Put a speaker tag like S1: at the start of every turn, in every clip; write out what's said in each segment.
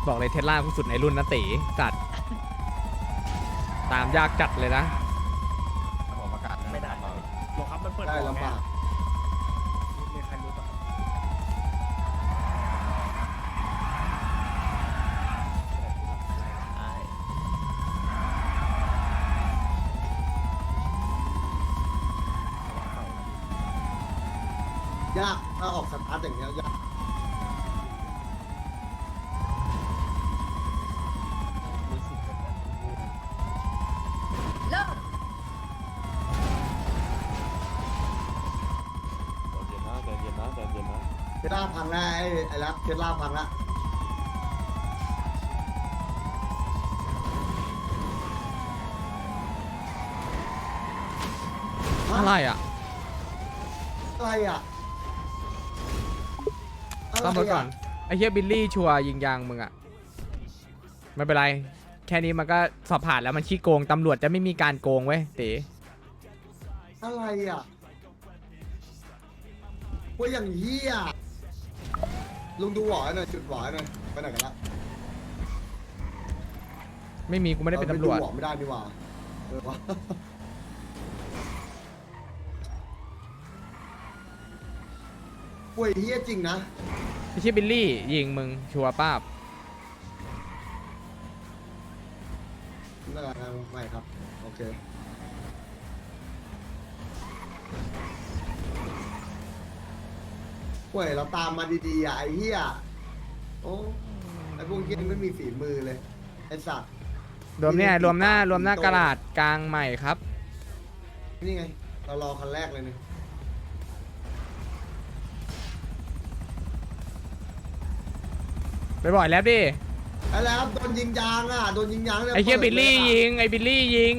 S1: บอกเลยเทสลาผู้สุดในรุ่นนะตีจัดตามยากจัดเลยนะ
S2: ผมประกาศ
S3: ไม่ได้หรอครับมันเปิด
S4: ได้ลำบาก
S3: มีใครรู้ป่ะ
S4: ยากถ้าออกสตาร์ทอย่างเงี้ยยาก
S5: เลิก
S4: เทสลาพังแล้วไอ้รับเทสลาพังแล้ว
S1: อะไรอ่ะ
S4: อะไรอ่ะ
S1: ต้องไปก่อนไอ้เฮียบิลลี่ชัวร์ยิงยางมึงอ่ะไม่เป็นไรแค่นี้มันก็สอบผ่านแล้วมันขี้โกงตำรวจจะไม่มีการโกงเว้ยตี
S4: อะไรอ่ะว่าอย่างเหี้ยลุงดูหวอยหน่อยจุดหวอยหน่อยไปไหนกันละ
S1: ไม่มีกูไม่ได้เป็นตำรวจ
S4: ดูหวอไม่ได้ดีกว่าวะป่วยเหี้ยจริงนะ
S1: ไอ้เชี่ยบิลลี่ยิงมึงชัวร์ป้าบ
S4: ไม่เป็นไรนะไม่ครับโอเคป่วยเราตามมาดีๆอ่ะไอ้เหี้ยโอ้ไอ้พวกเหี้ยไม่มีฝีมือเลยไอ้สัตว์
S1: รวมเนี่ยรวมหน้ากระดาษกลางใหม่ครับ
S4: นี่ไงเรารอคันแรกเลยเนี่ย
S1: ไปบ่อยแล้วดิ
S4: ไอ้แล้วโดนยิงยางอ่ะโดนยิงยางนี่
S1: ไอ้เชี่ยบิลลี่ยิงไอ้บิลลี่ยิง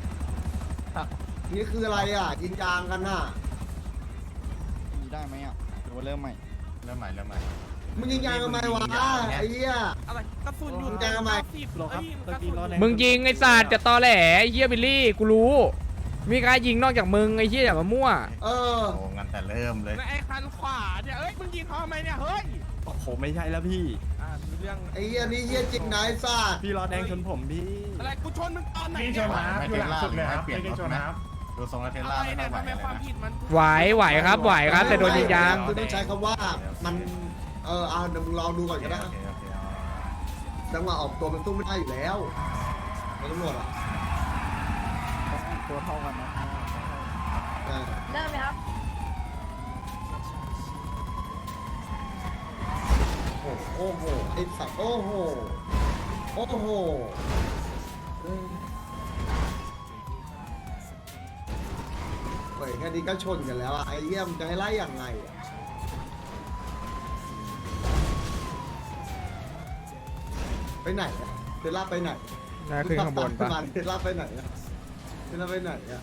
S4: นี่คืออะไรอ่ะยิงยางกันน่ะ
S2: มีได้ไหมอ่ะหรือว่าเริ่มใหม่เริ่มใหม่
S4: มึงยิงยางทำไมวะไอ้เหี้ย
S3: อะไรกระสุนอยู่
S4: แกงทำไม
S3: หรอครับตะกี้รอแดง
S1: มึงยิงไอ้สัตว์จะตอแหลไอ้เฮียบิลลี่กูรู้มีใครยิงนอกจากมึงไอ้เฮียอย่ามามั่ว
S4: เออ
S2: โอ้งั้นแต่เริ่มเลย
S3: ไอ้คันขวาเนี่ยเอ้ยมึงยิงเขาทำไมเนี่ยเฮ้ยผมไม่ใช่แล้วพี่มีเรื่อง
S4: ไอ้เหี้ยนี่เหี้ยจริงนะไอ้สัตว์
S3: พี่รอแดงชนผมพี่อะไรกูชนมึงตอนไหน
S6: พี่ชนนะอยู่หลังสุดเลยครับไม่ได้ชนนะครับ
S2: ดูทรงแล้วเทส
S3: อะ
S2: ลา
S3: ไร
S2: ไม่
S3: เนี่ย
S2: ค่อยไหว
S3: ทำไม
S2: เลย
S3: ความ
S2: นะ
S3: ผิดมัน
S1: ไหวครับไหวครับแต่โดนยิงยาง
S4: คือต้องใช้คำว่ามันเอาเดี๋ยวมึงลองดูก่อนก็ได้
S2: โอเค
S4: จังหวะออกตัวมันสู้ไม่ได้อยู่แล้วมันตำรวจอ่ะ
S2: ตัวเท่ากันนะ
S4: เออ
S5: เลิกไหมครับ
S4: โอ้โหไอ้สัตว์โอ้โหโอ้โหเฮ้ยแค่นี้ก็ชนกันแล้วอ่ะไอ้เหี้ยมนจะให้ไล่อย่างไงอะไปไหนอะเทสลาไปไหน
S1: น่าขึ้นข้างบนปะ
S4: เทสลาไปไหนอะเทสลาไปไหนอะ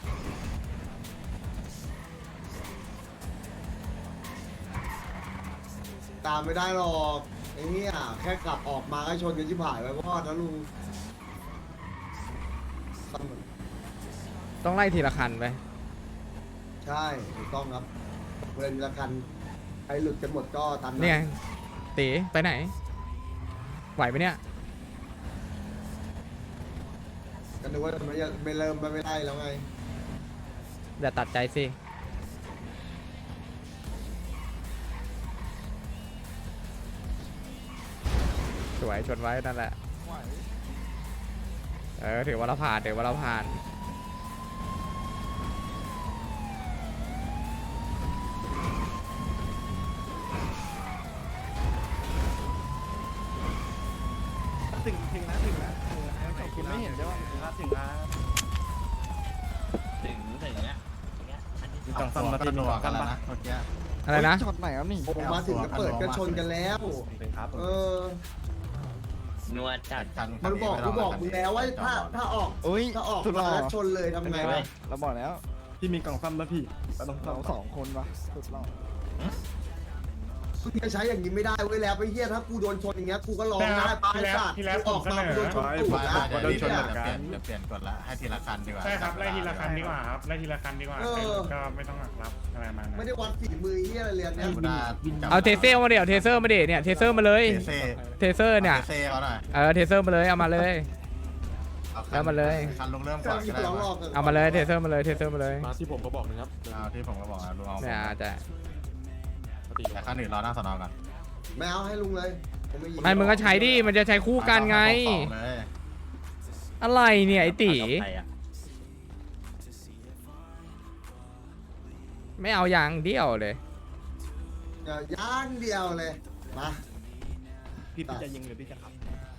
S4: ตามไม่ได้หรอกไอ้เนี่ยแค่กลับออกมาก็ชนกันชิบหายไปวอดนะลุง
S1: ต้องไล่ทีละคันไป
S4: ใช่ถูกต้องครับเวลาละกันใครหลุดกันหมดก็ตันนะ
S1: เนี่ย ตีไปไหน ไหวไหมเนี่ย
S4: ก็นึกว่าไม่เริ่มไม่ได้แล้วไง
S1: อย่าตัดใจสิ สวยชนไว้นั่นแหละ ถือว่าเราผ่านถือว่าเราผ่าน
S3: ถึงแล้วคุณไม่เห็นใช่ป่ะถึงแล้ว
S7: ถึงเนี้ย
S2: มีกล่องซ่อมมาติดหนวกกันแล้วนะเมื่อกี้
S1: อะไรนะ
S2: ช็อตไหนครับนี่
S4: ผมมาถึงก็เปิดก็ชนกันแล้ว เออ
S7: นวดจัด
S4: มันบอกกูบอกมึงแล้วว่าถ้าออก
S2: อุ้ย
S4: ถ้าออก
S2: สุดหล่อ
S4: มาแล้วชนเลยทำไงวะ
S2: เราบอกแล้ว
S3: พี่มีกล่องซ่อมแล้วพี่ต้องซ่อ
S2: เรา
S3: ม
S2: 2 คนวะสุดหล่อ
S4: มึงจะใช้อย่างนี้ไม่ได้เว้ยแล้วไปเฮียถ้ากูโดนชนอย่างเงี้ยกูก็ร้องได้ป้าไอ้สัตว์กูออกมากูโดนชนตูดนะ
S3: โดนชนเหมือนกัน
S8: เดี๋ยวเปลี่ยนกฎละให้ทีละคันดีกว่า
S6: ใช่ครับไล่ทีละคันดีกว่าครับไล่ทีละคันดีกว่าก็ไม่ต้องรับอะไรมานะ
S4: ไม่ได้วัดฝีมือเฮียอะไรเลยเนี่ย
S8: กูได้
S1: เอาเทเซอร์มาเดี๋ยวเทเซอร์มาเดี๋ยวเนี่ยเทเซอร์มาเลย
S8: เซ่
S1: เทเซอร์เนี่ย
S8: เซ่เขาหน่อย
S1: เทเซอร์มาเลยเอามาเลย แล้วมาเลย
S8: คันลงเริ่ม
S4: แต่
S8: ก่อน
S4: มี
S8: ก็ได้
S4: ร้องหล
S8: วะ
S4: อก
S1: เอามาเลยเทเซอร์มาเลยเทเซอร์มาเลย
S3: มาที่ผมก็บอกนะครับ
S8: เอาที่ผมก็บอกนะลุงเอา
S1: เนี่ยจะ
S8: แต่คันอื่นรอหน้าสนอก่อน
S4: ไม่เอาให้ลุงเลยผมไม่ยิง
S1: ไม่มึงก็ใช้ดิมันจะใช้คู่กันไง
S8: สองเลย
S1: อะไรเนี่ยไอ้ตี
S7: ใครอะ
S1: ไม่เอาอย่างเดียวเลย
S4: ย่างเดียวเลยมา
S3: พี่จะยิงหรือพี่จะขับ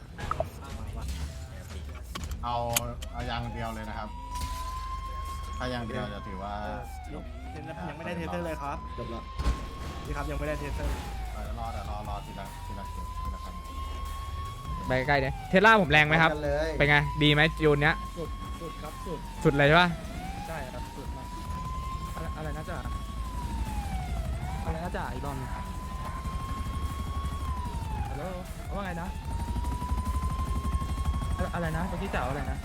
S8: เอาอย่างเดียวเลยนะครับ ถ้าอย่างเดียวจะถือว่าจบ
S3: ยังไม่ได้เทเซอร์เลยครับ
S4: จบละ
S3: พี่ครับยังไม่ได้เทเซอร์
S8: รอทีละคัน
S1: ไปใกล้ๆเนี่ยเทสลาผมแรงไหมครับ
S4: กันเลย
S1: เป็นไงดีไหมจูนเนี้ย
S6: สุดครับสุด
S1: สุดเลยใช่ปะ
S6: ใช่ครับสุดมากอะไรนะจ๊ะอะไรนะจ๊ะอีกรอบนึงฮัลโหลว่าไงนะอะไรนะตะกี้จ๋าอะไรนะ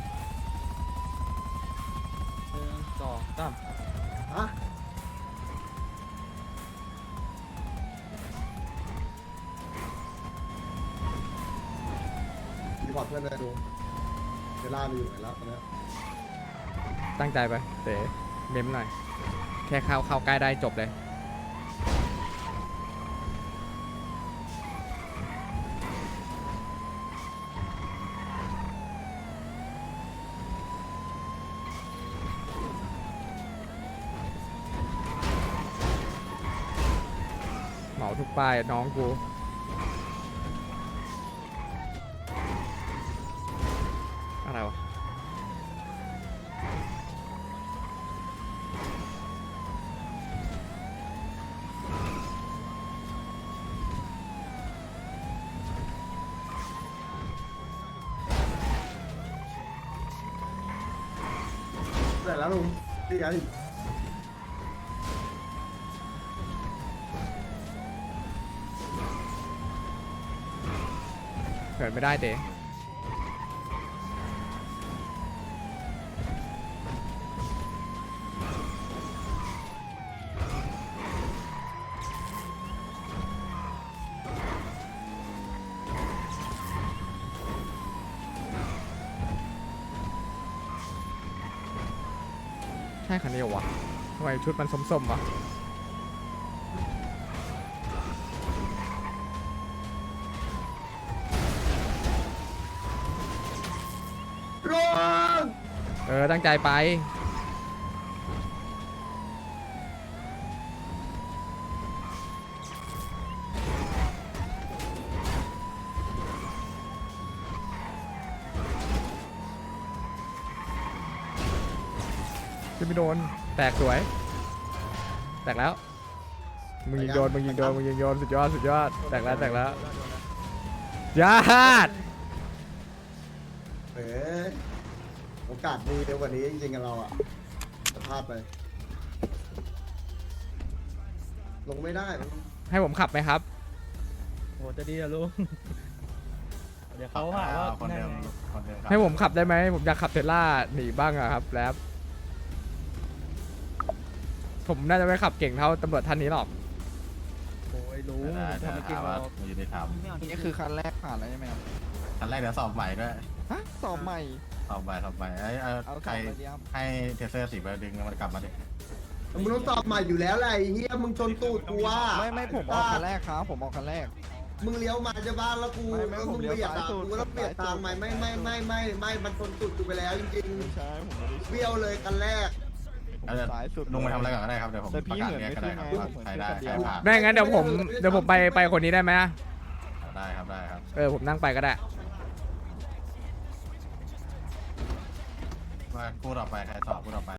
S6: 1 2 3
S4: ฮะรีพอร์ตเพื่อนเลยดูเวลาไปอยู่ไหนแล้วตอนนี้
S1: ตั้งใจไปเต๋เมมหน่อยแค่เข้าใกล้ได้จบเลยเหมาทุกป้ายน้องกูอะไรวะ
S4: แต่แล้วลุงดีกัน
S1: เกิดไม่ได้เต๋ใช่คันนี้เหรอวะทำไมชุดมันส้มๆวะ
S4: ลุง
S1: ตั้งใจไปจะไม่โดนแตกสวยแตกแล้วมึงยิงโดนสุดยอดแตกแล้วญาติ
S4: โอกาสมีเร็วกว่านี้จริงๆกับเราอ่ะจะพลาดไป ลงไม่ได้
S1: ให้ผมขับไหมครับ
S6: โหจะดีอะลุงเดี๋ยวเขาหาว่า
S8: คนเดิมครับ
S1: ให้ผมขับได้ไหมผมอยากขับเทสลาหนีบ้างอะครับแล้วผมน่าจะไม่ขับเก่งเท่าตำรวจท่านนี้หรอก
S6: โอ้ยลุง
S8: ได้
S6: ทำไม
S8: ถา
S6: เก่ง
S8: ม
S6: เรา
S8: ว่าอยู่ในถาม
S2: นี่คือคันแรกผ่านแล้วใช่ไหมครับ
S8: คันแรกเดี๋ยวสอบใหม่ด้วย
S2: ฮะสอบใหม่
S8: สอบใหม่
S2: เอาส
S8: ใคร
S2: อบไปดีครับ
S8: ให้เทเซอร์สีไปดึงมันกลับมาดิ
S4: มึงต้องสอบใหม่อยู่แล้วแหละไอ้เฮียมึงชนตูดกูว่า
S2: ไม่ผมออกคันแรกครับผมออกคันแรก
S4: มึงเลี้ยวมาจะบ้านแล้วกู
S2: ไม่
S4: แล้ว
S2: ผ
S4: มึ
S2: ม
S4: ง
S2: เลี้ยว
S4: เบียดตาม
S2: ซ้ายสุด
S4: กูแล้วเบียดตามใหม่ไม่มันชนตูดกูไปแล้วจริง
S2: ไม่ใช่ผมไม่ได้
S4: ๆเบี้ยวเลยกันแรก
S2: ผมสายสุด
S8: ลงไปทำอะไรก่อนก็ได้ครับเดี๋ยวผม
S2: แต่พี่
S8: ประกาศ
S2: เหมือน
S8: เรียกก็ได้ครับ
S2: ไม่
S8: ว่า
S2: ขึ้นไง
S8: ใครได้
S2: ผมเหมื
S8: ใคร
S2: อน
S8: ผ่าน
S1: ไม่งั้นเดี๋ยวผมไปคนนี้ได้ไหม
S8: ได้ครับได้ครับ
S1: ผมนั่งไปก็ได้
S8: ว่าคู่ต่อไปใครสอบคู่ต่อไป